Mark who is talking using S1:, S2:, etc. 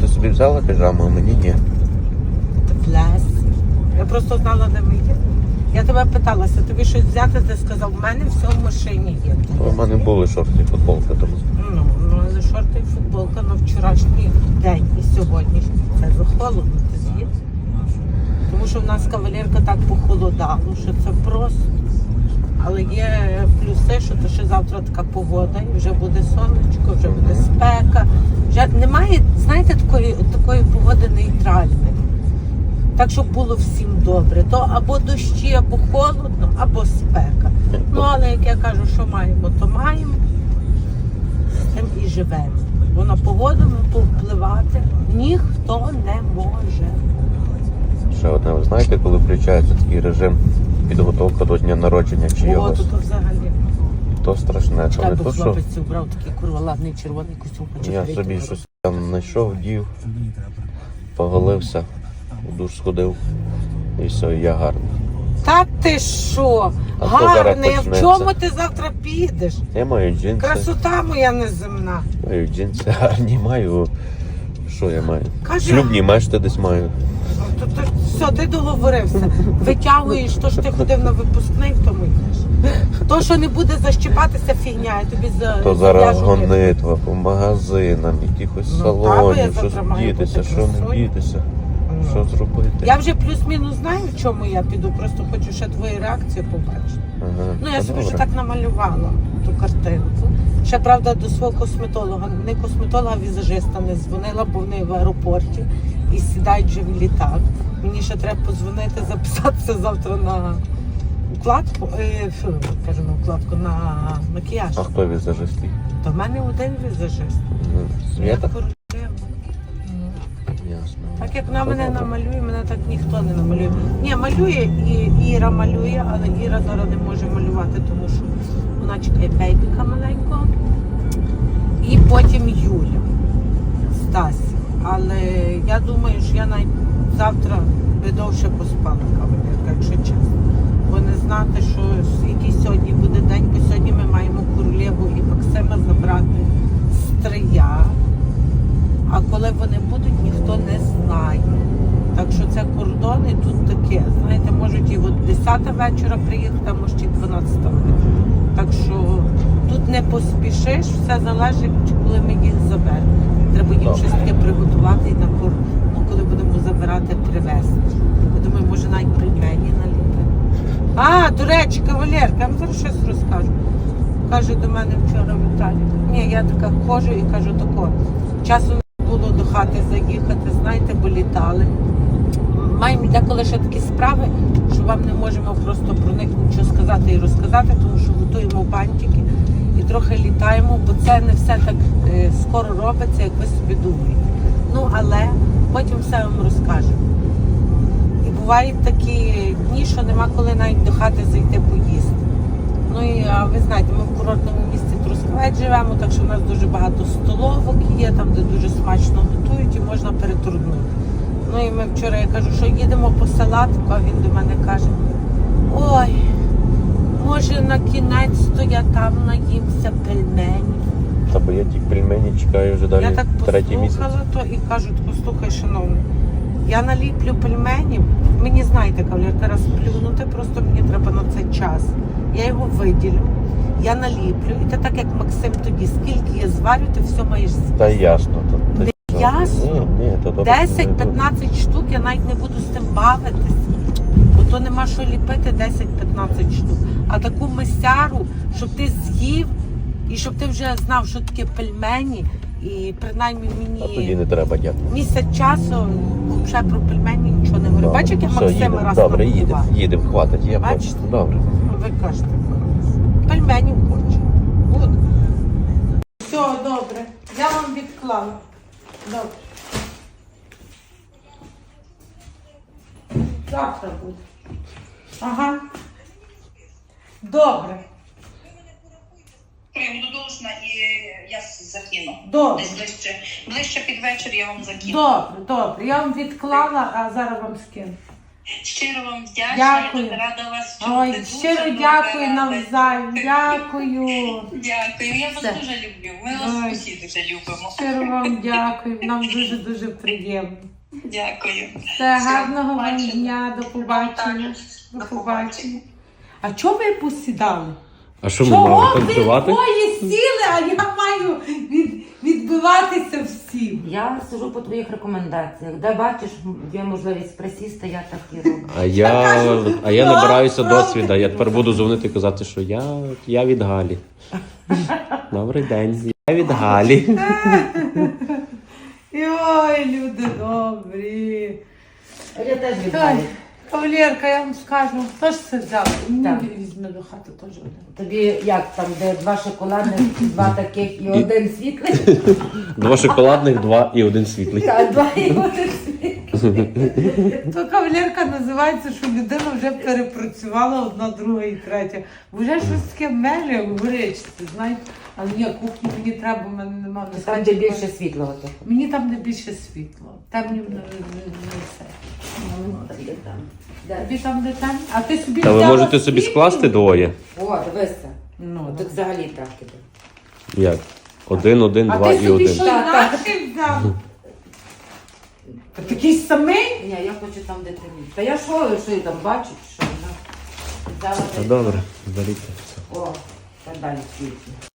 S1: собі взяла піжаму, а мені ні.
S2: Плес. Я просто знала, де ми є. Я тебе питалася, тобі щось взяти, ти сказав, в мене все в машині є.
S1: У мене були шорти і футболка тому.
S2: Ну, але шорти і футболка на вчорашній день і сьогоднішній. Це вже холодно, ти з'їдеш. Тому що в нас кавалерка так похолодало, що це просто. Але є плюси, що то ще завтра така погода, і вже буде сонечко, вже буде спека. Вже немає, знаєте, такої погоди нейтральної. Так, щоб було всім добре. То або дощі, або холодно, або спека. Ну, але, як я кажу, що маємо, то маємо. З тим і живемо. Бо на погоду повпливати ніхто не може.
S1: Ще одне, ви знаєте, коли включається такий режим підготовка до дня народження чиєгось?
S2: О, то взагалі.
S1: То страшне, що не то, що
S2: хлопець брав такий ладний червоний костюм.
S1: я собі щось там знайшов, вдів, поголився, у душ сходив і все, і я гарний.
S2: Та ти що?
S1: А то зараз
S2: Гарний, а в
S1: почнеться.
S2: чому ти завтра підеш?
S1: Я маю джинси,
S2: Красота моя неземна.
S1: маю джинси гарні, маю... Що я маю?
S2: Каже-
S1: Шлюбні мешти десь маю.
S2: То все, ти договорився. Витягуєш, то що ти ходив на випускний, в тому йдеш. То, що не буде защіпатися, фігня, я тобі
S1: То зараз
S2: зав'яжу
S1: гонитва по магазинам, якихось
S2: Ну, та, бо я
S1: салонів, що
S2: завтра маю
S1: дітися,
S2: бути
S1: що не
S2: красою.
S1: дітися,
S2: Ну.
S1: що зробити.
S2: Я вже плюс-мінус знаю, в чому я піду, просто хочу ще твої реакції побачити.
S1: Ага,
S2: Ну, я
S1: та
S2: собі
S1: добре.
S2: вже так намалювала ту картинку. Ще, правда, до свого косметолога, не косметолога, а візажиста не дзвонила, бо вони в аеропорті і сідають вже в літак. Мені ще треба подзвонити, записатися завтра на укладку, кажу на укладку, на макіяж.
S1: А хто візажист?
S2: То в мене один візажист. Я
S1: Свята?
S2: королева.
S1: Ясно.
S2: Так як вона
S1: Та
S2: мене
S1: добре.
S2: намалює, мене так ніхто не намалює. Ні, малює і Іра малює, але Іра зараз не може малювати, тому що вона чекає бейбіка маленького. І потім Юля, Стась. Але я думаю, що я навіть завтра би довше поспала, кавалерка, якщо чесно. Бо не знати, що який сьогодні буде день, бо сьогодні ми маємо королеву і Максима забрати з Трия. А коли вони будуть, ніхто не знає. Так що це кордони тут таке. Знаєте, можуть і от 10 вечора приїхати, а може і 12 вечора. Так що тут не поспішиш, все залежить, коли ми їх заберемо. Треба їм щось таке приготувати і на коли будемо забирати, привезти. Я думаю, може навіть пельмені наліпити. А, до речі, кавалерка, я вам зараз щось розкажу. Каже до мене вчора Віталій. Ні, я така ходжу і кажу тако. Часу не було до хати заїхати, знаєте, бо літали. Маємо деколи ще такі справи, що вам не можемо просто про них нічого сказати і розказати, тому що готуємо бантики і трохи літаємо, бо це не все так скоро робиться, як ви собі думаєте. Ну, але потім все вам розкажемо. І бувають такі дні, що нема коли навіть до хати зайти поїсти. Ну і ви знаєте, ми в курортному місті Трускавець живемо, так що в нас дуже багато столовок є, там де дуже смачно готують і можна перетруднути. Ну і ми вчора, я кажу, що їдемо по салатику, а він до мене каже, ой, може на кінець-то я там наїмся пельменів.
S1: Та бо я ті пельмені чекаю вже далі
S2: Я так
S1: третій місяць.
S2: послухала то і кажу, послухай, шановний, я наліплю пельменів, мені знаєте, кавалерка, раз плюнути, просто мені треба на це час. Я його виділю, я наліплю, і ти так як Максим тоді, скільки я зварю, ти все маєш з'їсти.
S1: Та ясно. То,
S2: Не ясно?
S1: Ні, то добре.
S2: 10-15 штук я навіть не буду з тим бавитись, бо то нема що ліпити 10-15 штук. А таку мисяру, щоб ти з'їв і щоб ти вже знав, що таке пельмені, і принаймні
S1: А тоді
S2: мені
S1: не треба, дякую.
S2: місяць часу взагалі про пельмені нічого не говорю. Бачиш, як я
S1: Все,
S2: Максима
S1: їдемо.
S2: раз
S1: Добре,
S2: нагодувала?
S1: їдемо, хватить. Я
S2: Бачите?
S1: просто, добре.
S2: Ви кажете, пельменів хочу. Буду. Все, добре. Я вам відклала. Добре. Завтра буде. Ага. Добре.
S3: Я буду должна і я закину.
S2: Добре.
S3: Десь ближче під вечір я вам закину.
S2: Добре, добре. Я вам відклала, а зараз вам скину.
S3: Щиро вам вдячна,
S2: Дякую.
S3: я дуже рада вас чути.
S2: Ой,
S3: Дуже
S2: щиро
S3: дуже
S2: дякую
S3: рада.
S2: навзаєм. Дякую.
S3: Дякую, я вас
S2: Все.
S3: дуже люблю. Ми
S2: Ой.
S3: вас усі дуже любимо.
S2: Щиро вам дякую. Нам дуже-дуже приємно.
S3: Дякую.
S2: Все, гарного вам
S3: побачення.
S2: дня, до побачення. До
S3: До
S2: побачення. А чого ви посідали?
S1: А що ми
S2: Чого
S1: мали
S2: ви
S1: танцювати?
S2: двоє сіли, а я маю відбиватися всім?
S4: Я сижу по твоїх рекомендаціях. Де бачиш, є можливість присісти, я так і роблю.
S1: А я набираюся
S2: правда.
S1: досвіду. Я тепер буду дзвонити і казати, що я від Галі. Добрий день. Я від Галі.
S2: Ой, люди добрі.
S4: А я теж
S2: Ой,
S4: віддаю.
S2: кавалерка, я вам скажу, хто ж це взяв? Мені
S4: Так.
S2: візьме до хати теж один.
S4: Тобі як там, де 2 шоколадних, 2 таких і 1 світлий?
S1: 2 шоколадних, 2 і 1 світлий.
S4: Так, 2 і 1 світлий.
S2: То кавалерка називається, що людина вже перепрацювала одна, друга і третя. Бо вже щось таке меле в горечці, знаєте. Але ні, кухню мені треба, в мене немає.
S4: Там де більше світлого. того.
S2: Мені там де більше світло. Темні не все.
S4: Ну, там де там. Де?
S2: Тобі там де там? А ти собі
S1: Та ви
S2: взяла
S1: можете собі
S2: світло?
S1: скласти двоє.
S4: О, дивися.
S2: Ну,
S4: Тут взагалі так іде.
S1: Як? 1, 1,
S2: а
S1: 2
S2: ти
S1: і
S2: собі
S1: 1.
S2: що
S4: Так, так.
S2: інакше взяв? Та такий самий?
S4: Ні, я хочу там, де темніше. Та я що я там бачу, що вона взяла.
S1: Та добре, беріть це все.
S4: О, так далі світло.